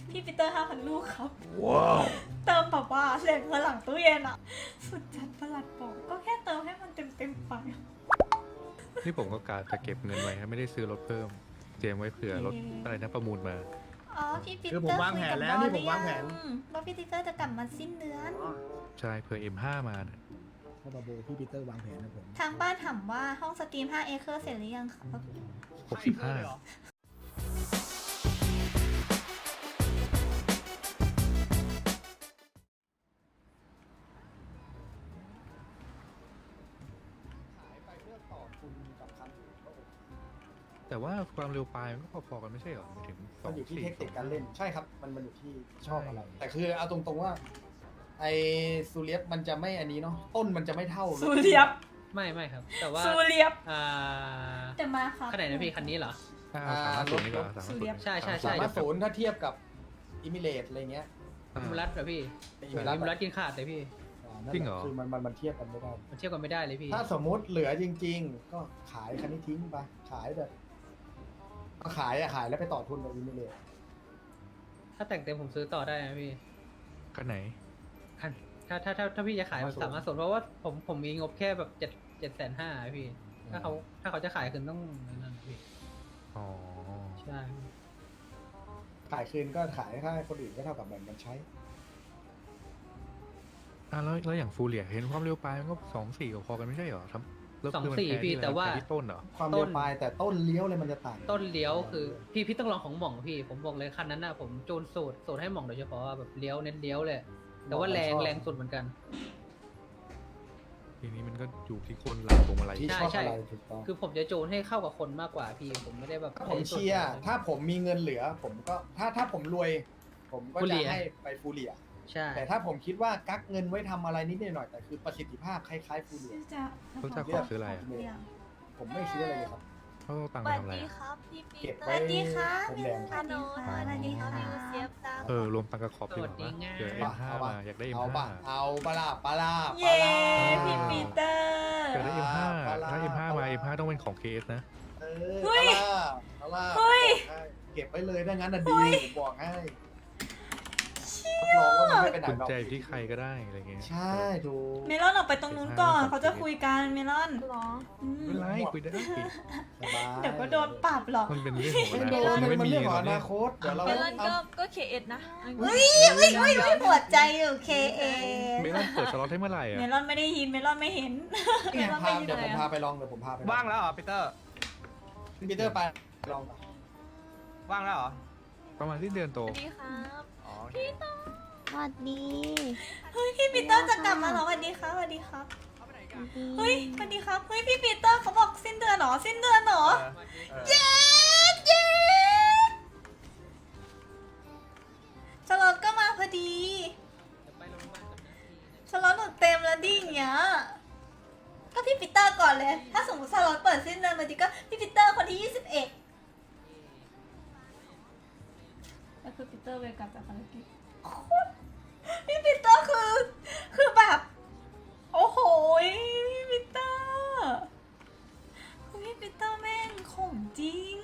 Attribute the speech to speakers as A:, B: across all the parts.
A: พี่ปีเตอร์5,000 ลูกครับว้าวเติมแบบว่าเสียงเงินหลังตู้เย็นอะสุดจัดประหลัดบอกก็แค่เติมให้มันเต็มไป
B: นี่ผมก็กะจะเก็บเงินไว้ไม่ได้ซื้อรถเพิ่มเตรียมไว้เผื่อรถอะไรนะประมูลมา
A: อ๋อพี่ปีเตอร์
C: คือผมวางแผนแล้วนี่ผมวางแผน
A: ว่าพี่ปีเตอร์จะกลับมาสิ้นเดือน
B: ใช่เผื่อ M5 มานะ
C: พ่อบาโบพี่ปีเตอร์วางแผนนะผม
A: ทางบ้านถามว่าห้องสตรีม5 เอเคอร์เสร็จหรือยังครับ
B: 65 แต่ว่าความเร็วปลายมันก็พอๆกันไม่ใช่เหรอไม่ถึง
D: มันอยู่ที่เทคนิคการเล่นใช่ครับมันอยู่ที่ชอบอะไร แต่คือเอาตรงๆว่าไอซูเลียสมันจะไม่อันนี้เนาะต้นมันจะไม่เท่า
A: ซูเลียบ
E: ไม่ครับ แต่ว่า
A: ซูเลียบ
E: อ่า
A: แต่มาครับ
E: คันไหนนะพี่คันนี้เหรอ
B: 350นี่ก็
A: สูเรียบ
E: ใช่
D: สามารถศูนย์ถ้าเทียบกับอิมิเลตอะไรเงี้ย
E: อิมรัตเหรอพี่
D: อิมิเล
E: อิมรัตกินขาดเลยพี่
B: จริงเหรอ
D: คือมันเทียบกันไม่ได้
E: มันเทียบกันไม่ได้เลยพี่
D: ถ้าสมมุติเหลือจริง ๆ ก็ขายคันนี้ทิ้งไปขายแบบขายแล้วไปต่อทุนกับอิมิเลต
E: ถ้าแต่งเต็มผมซื้อต่อได้นะพี่
B: คันไหน
E: คันถ้าพี่จะขายแบบสามารถสนเพราะว่าผมมีงบแค่แบบ750,000พี่ ถ้าเขาจะขายคืนต้องนั่นพี่
B: อ๋อ
E: ใช่
D: ขายคืนก็ขายให้คนอื่นก็เท่ากับแบ่งกันใช้
B: แล้วอย่างฟูเรียเห็นความเร็วปลายมันก็2.4ก็พอกันไม่ใช่เหรอครับแล้ว
E: สอง
B: คือมัน
E: สี่
B: แพ้
E: พี่
B: ที่อะไร
E: แต่ว่า
B: แพ้ที่ต้นเหรอ
D: ความเร็วปลายแต่ต้นเลี้ยวเลยมันจะต่าง
E: ต้นเลี้ยวคือพี่ต้องลองของหม่องพี่ ผมบอกเลยคันนั้นน่ะผมจูนสูตรให้หม่องโดยเฉพาะแบบเลี้ยวเน้นเลี้ยวเลย แต่ว่าแรงสุดเหมือนกัน
B: ทีนี้มันก็อยู่ที่คนหลังพวงมาลัย
D: ที่
E: ใช่
D: ชอบ
E: ใช่
D: อะไรถูกต้อง
E: คือผมจะจูนให้เข้ากับคนมากกว่าพี่ ผมไม่ได้แบบ
D: ผมเชียร์ถ้าผมมีเงินเหลือ ผมก็ถ้าผมรวย ผมก็จะให้ไปฟูเรีย
E: ใช่
D: แต่ถ้าผมคิดว่ากักเงินไว้ทำอะไรนิดหน่อยแต่คือประสิทธิภาพคล้ายๆฟูเรีย
B: เขาจะขอซื้ออะไรอ่ะ
D: ผมไม่ซื้ออะไรเลยครับ
B: เขาเอาตังค์
F: ส
B: ไป
F: วัส
B: ทำอะไร
F: ดี
B: อะ
F: ครับพี่ปี
D: เก็บ
F: เตอ
D: ไว้
F: ร์
A: สวัสดีค่ะ
D: ผมแดงค
F: ฮั
D: รับ
F: ลโหล
A: สวัสดีค่ะ
F: มิวเซียฟตาม
B: รวมตังค์กับขอบดีกว่าปะเผื่อ M5 มาอยากได้
D: เอา
B: M5
D: ปะเอาปะล่ะปะล่ะ
A: เย้พี่ปีเตอร์
B: อยากได้ M5 ถ้า M5 มา M5 ต้องเป็นของ KS นะ
D: เอ
A: เฮ้ย
D: ปะล่ะ
A: เฮ้ย
D: เก็บไว้เลยถ้างั้นน่ะดีผมบอกให้รับรองว่ามันไม่ไปไหน
B: คุณ
D: หรอก
B: ใจอยู่ที่ใครก็ได้อะไรเงี้ย
D: ใช่ถูก
A: เมลอนออกไปตรงนู้นก่อน เขาจะคุยกันเมลอน
F: หรอ
A: อืม
B: ไม่เป็นไรคุยได้
D: สบาย
A: เดี๋ยวก็โดนปรับหรอก
B: มันเป็นเรื่องของอ
D: ไม่
B: นา
D: โด
B: คต
D: น
B: ไม่
D: มัน
B: มี
D: เรื่องของ
B: ตอ
D: อน
B: นี้
D: นาคตเดี๋ยวเรา
F: เมลอน
D: เอา
F: ก็เคเอ็ดนะ
A: เฮ้ยหัวใจอยู่ KA
B: เมลอนเปิดสล็อตให้เมื่อไหร่อ่ะ
A: เมลอนไม่ได้ยินเมลอนไม่เห็น
D: เนี่ยพาเดี๋ยวผมพาไปลองผมพาไป
G: ว่างแล้วเหรอปีเตอร์
D: ปีเตอร์ไปลอง
G: ว่างแล้วเหรอ
B: ประมาณที่เดือนโต
F: สวัสดีครับ
G: อ๋อโอเค
F: สวัสดี
A: เฮ้ยพี่ปีเตอร์จะกลับมาเหรอสวัสดีครับสวัสดีครับ เฮ้ยสวัสดีครับ เฮ้ยพี่ปีเตอร์เขาบอกสิ้นเดือนเหรอ สิ้นเดือนเหรอ เย้เย้สล็อตก็มาพอดีสล็อตหนูเต็มแล้วดิอย่างเงี้ยก็พี่ปีเตอร์ก่อนเลย ถ้าสมมติสล็อตเปิดสิ้นเดือนพอดีก็พี่ปีเตอร์คนที่ 21แล้วคือปีเตอร์เวกลับจากภารกิจพี่ปีเตอร์คือแบบ โอ้โหพี่ปีเตอร์คือพี่ปีเตอร์แม่งของจริง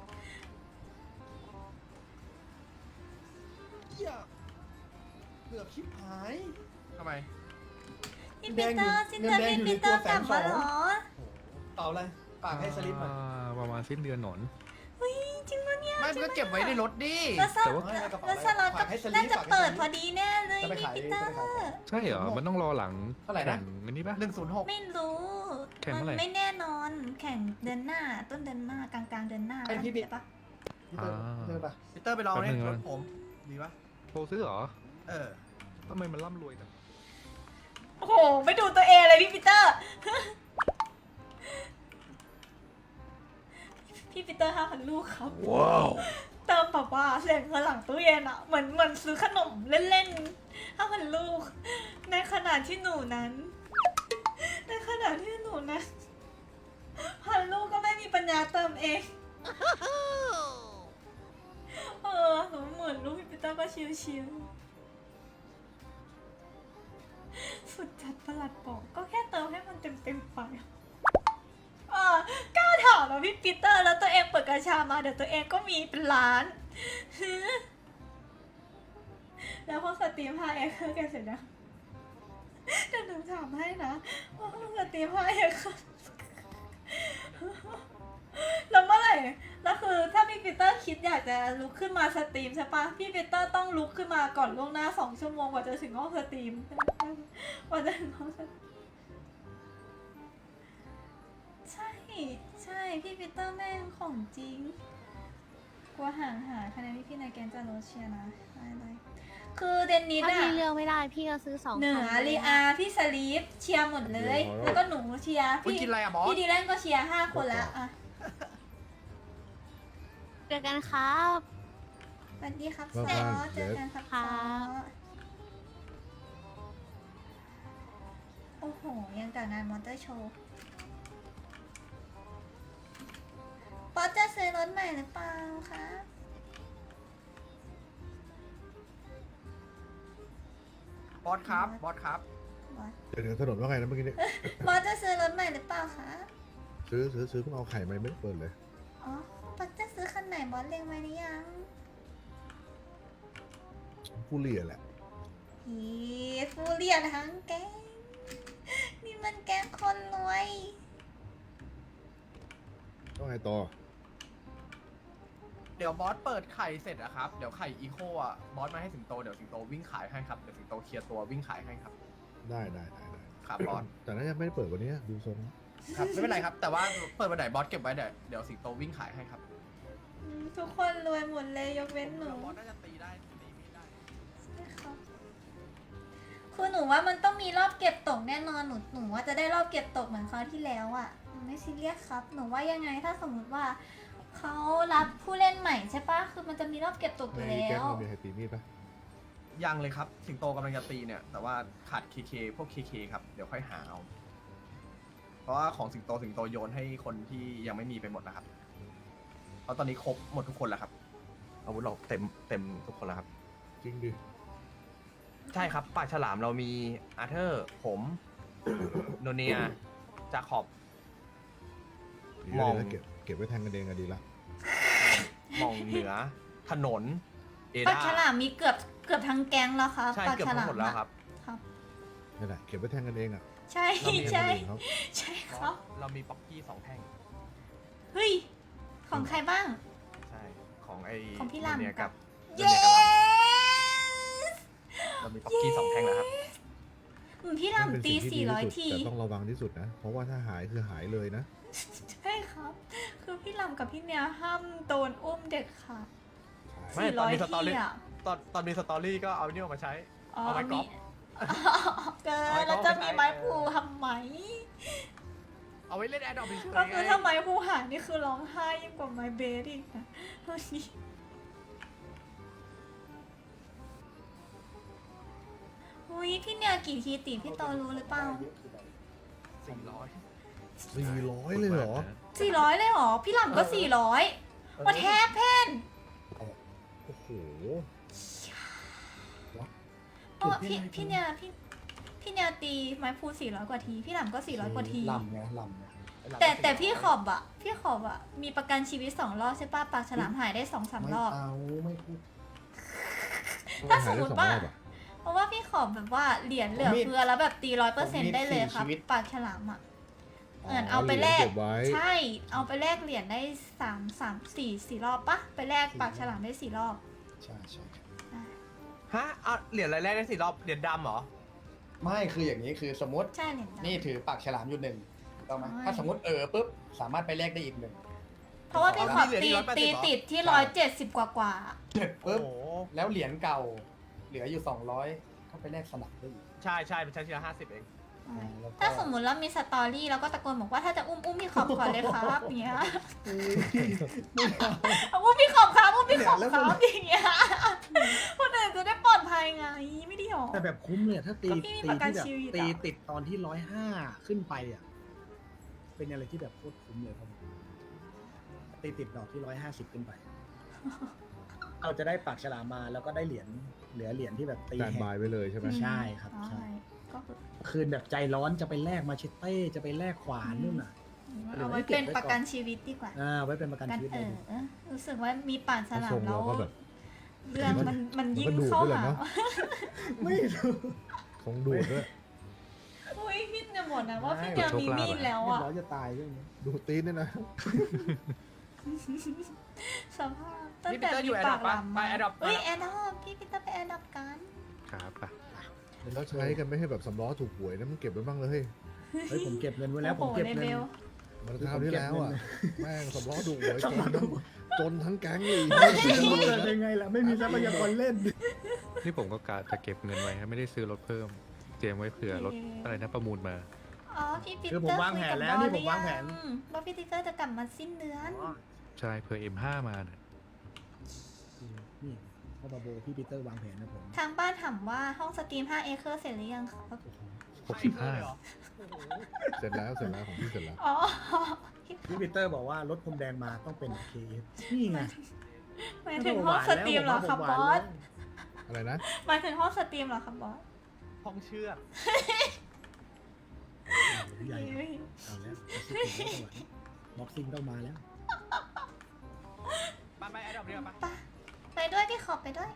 D: เกือบชิบหาย
G: ทำไม
A: พี่ปีเตอร์สิ้นเดือนพี่ปีเตอร์กลับมาเหรอ
D: เปล่าอะไรฝากให้สลิปหน่อย
B: ประมาณสิ้นเดือนหนอน
A: เฮ้ยจริงปะเนี่ย
G: ไม่ก็เก็บไว้ในรถดิ
A: แล้วส
B: แต่ว่า
A: แล้วสล็อตก็น่าจะเปิดพอดีแน่เลย
D: จะไป
A: พี่
D: ขาย
A: ปี
D: จะ
A: เตอ
D: ไป
A: ร์
D: ขาย
B: ใช่เหรอ มันต้องรอหลัง
D: เท่าไหร่นะ
B: แข่งอันนี้ปะ
G: 106
A: ไม่รู้
B: แข่ง
A: มั
B: เมื่อไหร่
A: ไม่แน่นอนแข่งเดือนหน้า ต้นเดือนหน้ากลางเดือนหน้า
D: ไอ้พี่บิ๊ก
A: ใช่ปะ
D: พี่เตอร์เจอปะ
G: ปีเตอร์ไปลองเลยรถผม ดีปะ
B: โทรซื้อเหรอ
G: เออ
B: ทำไมมันร่ำรวยจัง
A: โอ้โหไม่ดูตัวเองเลยพี่ปีเตอร์ พี่ปีเตอร์5,000 ลูกครับว้าวเติมแบบว่าเสียงเงินหลังตู้เย็นอะเหมือนซื้อขนมเล่นๆ5,000 ลูก ในขณะที่หนูนั้น1,000 ลูกก็ไม่มีปัญญาเติมเอง หนูเหมือนลูกพี่ปีเตอร์ก็ชิวๆสุดจัดประหลัดบอกก็แค่เติมให้มันเต็มไปกล้าถามนะพี่ปีเตอร์แล้วตัวเองเปิดกระชามาเดี๋ยวตัวเองก็มีเป็นล้านแล้วพอสตรีม 5x คือแกเสร็จยังเดี๋ยวหนูถามให้นะว่าพอสตรีม 5x แล้วเมื่อไหร่แล้วคือถ้าพี่ปีเตอร์คิดอยากจะลุกขึ้นมาสตรีมใช่ปะพี่ปีเตอร์ต้องลุกขึ้นมาก่อนล่วงหน้า2 ชั่วโมงกว่าจะถึงห้องสตรีมกว่าจะถึงห้องสตรีมใช่พี่ปีเตอร์แม่งของจริงกลัวห่างหายคะแนนพี่ในแกนจะลดเชียร์นะได้คือเดนนิส
F: ถ้า
A: อะ
F: พี่เลือกไม่ได้พี่ก็ซื้อ2
A: เหนือลีอาพี่สลีฟเชียร์หมดเลย แล้วก็หนูเชียร์
G: คุณกินอะไรอะบอส
A: พี่ดีแลนก็เชียร์5 คนแล้วอะ
F: เจอกันครับ
A: สวัสดีครับ
H: ว่า
A: ซอ
H: บ้าน
A: เจอกันครับ
F: ครั
A: ซอบ โอ้โห ยังกับงานมอเตอร์โชว์ป๊อตจะซื้อรถใหม่หรือเปล่าคะ
G: บอสครับ บอสครับ
A: บอส
H: เดี๋ยวถนนว่าไงนะเมื่อกี้นี้
A: บอสจะซื้อรถใหม่หรือเปล่าคะ
H: ซื้อเพิ่งเอาไข่มาไม่ได้เปิดเลย
A: อ๋อป๊อตจะซื้อคันไหนบอสเล็งไว้หรือยัง
H: ผู้เลี่ยแหละ
A: ฮีฟูเรียนทั้งแก๊งนี่มันแก๊งคนรวย
H: ต้องไงต่อ
G: เดี๋ยวบอสเปิดไข่เสร็จอะครับ เดี๋ยวไข่อีโคอะบอสมาให้สิงโต เดี๋ยวสิงโตวิ่งขายให้ครับ เดี๋ยวสิงโตเคลียร์ตัววิ่งขายให้ครับ
H: ได้
G: ครับบอส
H: แต่น่าจะไม่ได้เปิดวันนี้ดูทรง
G: ครับไม่เป็นไรครับ แต่ว่าเปิดวันไหนบอสเก็บไว้เดี๋ยวสิงโตวิ่งขายให้ครับ
A: ทุกคนรวยหมดเลยยกเว้นหนู
G: บอสน่าจะตีได้ตีมีดได้
A: ใช่ครับคือหนูว่ามันต้องมีรอบเก็บตกแน่นอนหนูว่าจะได้รอบเก็บตกเหมือนคราวที่แล้วอ่ะหนูไม่ซีเรียสครับ หนูว่ายังไงถ้าสมมติว่าเขารับผู้เล่นใหม่ใช่ปะคือมันจะมีรอบเก็บตกอยู่
H: ใน
A: แล้
H: แก๊ง
A: ว
H: เรามีใครตีมีดปะ
G: ยังเลยครับ สิงโตกำลังจะตีเนี่ย แต่ว่าขาดเคพวกเคครับ เดี๋ยวค่อยหาเอา เพราะว่าของสิงโตโยนให้คนที่ยังไม่มีไปหมดแล้วครับ เพราะตอนนี้ครบหมดทุกคนแล้วครับ อาวุธเราเต็มทุกคนแล้วครับ
H: จริงดิ
G: ใช่ครับปากฉลามเรามีอาร์เธอร์ ผม โนเนีย จาขอบ
H: ดี
G: มอง
H: แล้วเก็บไว้แทงกันเองอะดีละ
G: มองเหนือ ถนน เอ
A: ปลา
G: ดา
A: ฉลามมีเกือบทั้งแก๊งแล้วครับ
G: ใช่
A: ปลา
G: เกือบ
A: ฉ
G: ทั้
A: ลาง ม
G: หมดแล้วครับ
A: ครับ
H: นี่นแหละเก็บไว้แทงกันเองอะ
A: ใช่
G: เรามี
A: ใช่
H: คนอื่นเขา
A: ใช่ครับ
G: เรามีป๊อกกี้2 แท่ง
A: เฮ้ยของใครบ้าง
G: ใช่ ของไอ้
A: ของพี่
G: โน
A: ลำ
G: เนีย
A: กั
G: กับ บ
A: เย้
G: เรามีป๊อกกี้2 แท่งแล้วครับ
A: พี่
H: นั่นเป็น
A: ลำตี
H: สิ่งที่ดีที่สุด
A: 400 ที
H: แต่ต้องระวังที่สุดนะ เพราะว่าถ้าหายคือหายเลยนะ
A: ใช่ครับ คือพี่ลำกับพี่เนียห้ามโดนอุ้มเด็กค่ะ
G: ไม่ตอนมี
A: 400
G: สตอรี่
A: ที่อ่ะ
G: ตอนมีสตอรี่ก็เอาเนี่ยมาใช้
A: อ๋อ
G: เอาไม้กอล์ฟ
A: เกิ
G: เอาไม้
A: น
G: กอล์ฟ
A: แล้วจะ
G: ไปใช้
A: มีไม้พูทำไม
G: เอาไว้เล่นแอดดอปเฉยๆ
A: ก็คือ
G: ไง
A: ถ้าไม้พูหายนี่คือร้องไห้ยิ่งกว่าไม้เบสอีกนะวันนี้อุ้ยพี่เนียกี่ทีติพี่โตรู้หรือเปล่า
G: 400
H: 400เลยเหรอ
A: 400เลยเหรอ พี่ลำก็400ว่าแทบเพน
H: โอ้โห
A: เพราะว่าพี่เนียตีไม้พู400 กว่าที พี่ลำก็400 กว่าที
D: ลำไงลำไง
A: แต่พี่ขอบอะมีประกันชีวิต2 รอบใช่ป่ะปากฉลามหายได้2-3 รอบ
D: ไม่พูด
A: ถ้าสมมติว่า
H: หยได้2 รอบอะ
A: เพราะว่าพี่ขอบแบบว่าเหรียญเหลือเฟือแล้วแบบตี100%ได้เลยครับ ปากฉลามอะเหมือนเอาไปแลก
H: เก็บไว้
A: ใช่ เอาไปแลกเหรียญได้4 รอบปะไปแลกปากฉลามได้4 รอบ
D: ใช่
G: ฮะเอาเหรียญอะไรแรกได้4 รอบ เหรียญดำเหรอ
D: ไม่คืออย่างนี้คือสมมติ
A: ใช่เหรียญดำ
D: นี่ถือปากฉลามอยู่1ถูกต้องไหม
A: ใช่
D: ถ้าสมมติปุ๊บสามารถไปแลกได้อีก1
A: เพราะว่าพี่ขอบ
G: เหรียญ
A: ตี
G: ที่180
A: ตี
G: เหรอ
A: ติดที่170 กว่า
D: เสร็จ
G: โอ้
D: ปุ๊บ
G: โห
D: แล้วเหรียญเก่าเหลืออยู่200เข้าไปแลกสนับได้อีก
G: ใช่เป็นชั้นทีละ50 เอง
D: แล้วก็
A: ถ้าสมมติเรามีสตอรี่เราก็ตะโกนบอกว่าถ้าจะอุ้มพี่ขอบก่อนเลยครับอย่างเงี้ยอุ้มพี่ขอบครับอุ้มพี่ขอบครับอย่างเงี้ยคนอื่นจะได้ปลอดภัยไงไม่ดีหรอ
C: แต่แบบคุ้มเลยถ้าตี
A: ก็พี่มีประกัน
C: ที่แบบ
A: ชีวิตอะ
C: ตีติดตอนที่105ขึ้นไปอ่ะ เป็นอะไรที่แบบโคตรคุ้มเลยครับผมตีติดดอกที่150ขึ้นไป เราจะได้ปากฉลามมาแล้วก็ได้เหรียญเหลือเหรียญที่แบบตี
H: แตน
C: แห
H: บาย
C: ก
H: ไว้เลยใช่ไหม
C: ใช่ครับ
A: ใช่
C: ใช่
A: ก็คือ
C: คืนแบบใจร้อนจะไปแลกมาเชตเต้จะไปแลกขวานนู่นน่ะ
A: เอาไว้เป็นประกันชีวิตดีกว่า
C: ไว้เป็นประกัน
A: กัน
C: ชีวิตเลย
A: รู้สึกว่ามีป่านฉ
H: ถ้า
A: ลา
H: ทร
A: ม
H: ง
A: แล้
H: เรา
A: ว
H: ก็แบบ
A: เรื่องมันยิ่ง
H: มันก็ดูด
A: เข้า
H: ด้วยแหละ
A: หา
H: เนอะ
C: ไม่รู้
H: คงดูดด้วย
A: อุ้ยพี่จะบอกนะว่าพี่
C: ไม่
A: จะมีมีดแล้ว
C: เรียบ
A: อ่ะ
C: ร้อยจะตายเรื่องนี้
H: ดูดตีนเนี่ยนะ
A: สภาพตั้งแต่มีปากหลำมาเฮ้ยแอดอปพี่ปีเตอร์ไปแอดอปกัน
B: ครับปะ
H: แล้วใช้กันไม่ให้แบบสำล้อถูกหวยนะมันเก็บไว้บ้างเลย
C: เฮ้ยผมเก็บเงินไว้แล้วผ
A: โอ้
C: ม
A: โห
C: เก็บ
A: ใน
C: เงิ
A: เบ
C: น
A: ล
H: มันคราวที่แล้วอ่ะ แม่งสำล้อถูกหวยจนทั้งแก๊งเลย
C: จะรู้เกิดยังไงล่ะไม่มีทรัพยากรเล่น
B: นี่ผมก็กะจะเก็บเงินไว้ให้ไม่ได้ซื้อรถเพิ่ม เตรียมไว้เผื่อรถอะไรนะประมูลมา
A: อ๋อพี่ปีเตอ
C: คือ
A: ร์
C: ผมวางแผนแล้วนี่ผมวางแผน
A: ว่าพี่ปีเตอร์จะกลับมาสิ้นเดือน
B: ใช่เผื่อ M5 มาน่ะ
C: นี่พ่อบาโบพี่ปีเตอร์วางแผนนะผม
A: ทางบ้านถามว่าห้องสตรีม5 เอเคอร์เสร็จหรือยังครับ
B: 65
H: เสร็จแล้วของพี่เสร็จแล้ว
A: อ๋อ
C: พี่ปีเตอร์บอกว่ารถพรมแดงมาต้องเป็นเคนี่ไง
A: หมายถึงห้องสตรีมเหรอครับบอส
H: อะไรนะ
A: หมายถึงห้องสตรีมเหรอครับบอส
E: ห้องเชือก
C: ใหญ่เอาแล้วบ็อกซิ่งต้องมาแล้ว
E: ไปแอดดอปเรียกปะ
A: ไปด้วยพี่ขอไปด้วย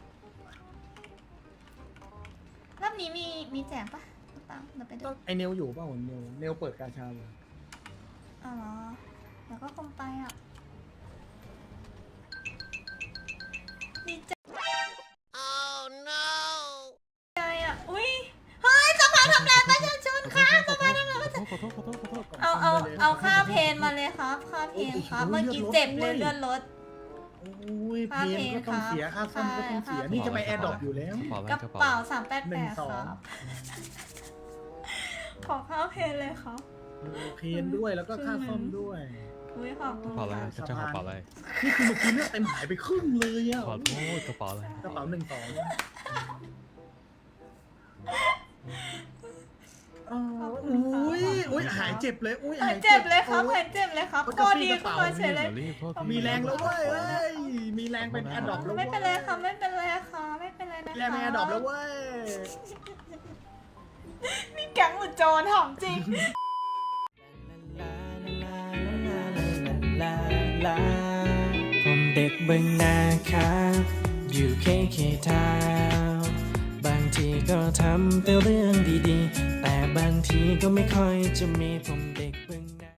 A: รอบนี้มีแจกปะตังเดี๋ยวไปด้วย
C: ไอเนลอยู่เปล่าเนลเปิดกาชาเลย
A: อ๋อเหรอเดี๋ยวก็คงไปอ่ะดีใจ ใจอ่ะ อุ้ย เฮ้ยสภาทำลายประชาชนค่ะสภาทำลายประชาชนเอาค่าเพนมาเลยครับค่าเพนครับ เมื่อกี้เจ็บเลยเลื่อนรถ
C: โอ้ยเพนก็ต้องเสียค่าซ่อมก็ต้องเสียนี่จะไปแอร์ดรอปอยู่แล้ว
A: กระเป๋า388ครับ ขอค่าเพนเลยครับ
C: เพนด้วยแล้วก็ค่าซ่อมด้วย
A: อุ้ยขอบคุณ
B: กระเป๋าอะไร
A: ค่ะ
B: จะกระเป๋าอะไร
C: นี่คือเมื่อกี้เลือดเต็มหายไปครึ่งเลยอ่ะ
B: ขอโทษกระเป๋าอะไร
C: กระเป๋า12อุ้ยหายเจ็บเลยอุ้ย
A: หายเจ็บเลยครับหายเจ็บเลยครับก็ดีขึ้นมาเฉยเลย
B: รีบโทษ
C: มีแรงแล้วเว้ยมีแรงเป็นแอร์ดรอปแล้ว
A: ไม่เป็นไรค่ะไม่เป็นไรค่ะไม่เป็นไรนะ
C: แรงเป็นแอร์ดรอปแล้วเว้ย
A: นี่แก๊งหรือโจรถามจริง
I: ผมเด็กเบึงนาครับอยู่เคทาวน์บางทีก็ทำแต่เรื่องดีๆ แต่บางทีก็ไม่ค่อยจะมีผมเด็กเบึงนา